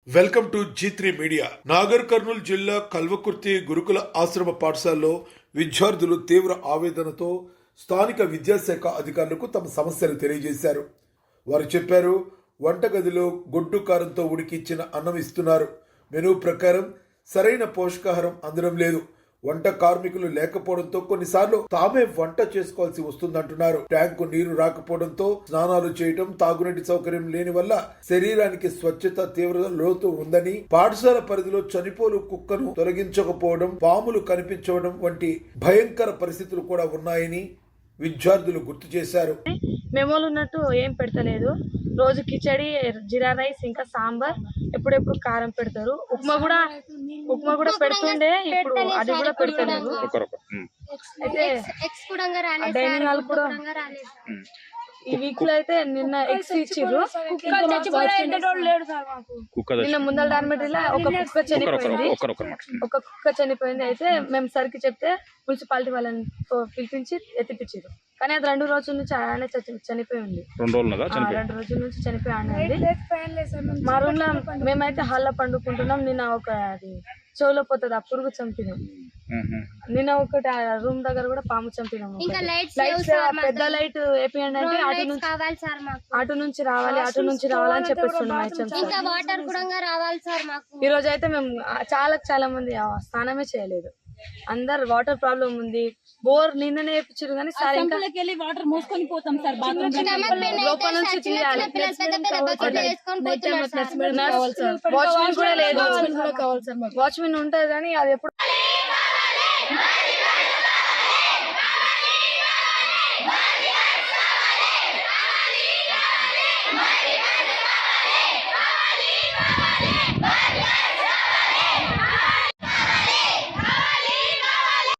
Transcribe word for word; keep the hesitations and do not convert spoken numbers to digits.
Welcome to G three media. Nagar Kurnool జిల్లా కల్వకుర్తి గురుకుల ఆశ్రమ పాఠశాలలో విద్యార్థులు తీవ్ర ఆవేదనతో స్థానిక విద్యాశాఖ అధికారులకు తమ సమస్యలు తెలియజేశారు. వారు చెప్పారు, వంటగదిలో గొడ్డు కారంతో ఉడికిచ్చిన అన్నం ఇస్తున్నారు. మెనూ ప్రకారం సరైన పోషకాహారం అందడం లేదు. వంట కార్మికులు లేకపోవడంతో కొన్నిసార్లు తామే వంట చేసుకోవాల్సి వస్తుందంటున్నారు. ట్యాంకు నీరు రాకపోవడంతో స్నానాలు చేయటం, తాగునీటి సౌకర్యం లేని వల్ల శరీరానికి స్వచ్ఛత తీవ్ర లోతు ఉందని, పాఠశాల పరిధిలో చనిపోలు కుక్కను తొలగించకపోవడం, పాములు కనిపించడం వంటి భయంకర పరిస్థితులు కూడా ఉన్నాయని విద్యార్థులు గుర్తు చేశారు. మెమోలు ఉన్నట్టు ఏం పెడతలేదు. రోజు కిచడి, జీరా రైస్, ఇంకా సాంబార్, ఎప్పుడెప్పుడు కారం పెడతారు. ఉప్మా కూడా ఉప్మా కూడా పెడుతుండే, ఇప్పుడు అది కూడా పెడతలేదు. అయితే డైనింగ్ హాల్ కూడా ఈ వీక్ లో అయితే నిన్న ఎగ్స్ ఇచ్చిర్రు. నిన్న ముందల డార్మెటరీలో ఒక కుక్క చనిపోయింది ఒక కుక్క చనిపోయింది అయితే మేము సరికి చెప్తే మున్సిపాలిటీ వాళ్ళని పిలిపించి ఎత్తిపించారు. కానీ అది రెండు రోజుల నుంచి ఆయన చనిపోయి ఉంది. రెండు రోజుల నుంచి చనిపోయి ఆడండి. మా రూమ్ లో మేమైతే హాల్లో పండుకుంటున్నాం. నిన్న ఒక అది చెవులో పోతుంది, ఆ పురుగు చంపినాం. నిన్న ఒకటి రూమ్ దగ్గర కూడా పాము చంపినాము. పెద్ద లైట్ వేపియండి అంటే అటు నుంచి అటు నుంచి రావాలి అటు నుంచి రావాలని చెప్పేస్తున్నాం. ఈ రోజు అయితే మేము చాలా చాలా మంది స్నానమే చేయలేదు. అందరు వాటర్ ప్రాబ్లం ఉంది. బోర్ నిన్ననే వేపించారు కానీ సార్ ఇంకా వాటర్ మోసుకొని పోతాం సార్. లోపల నుంచి తీయాలి. వాచ్మెన్ కూడా లేదు. వాచ్మెన్ ఉంటుంది కానీ అది ఎప్పుడు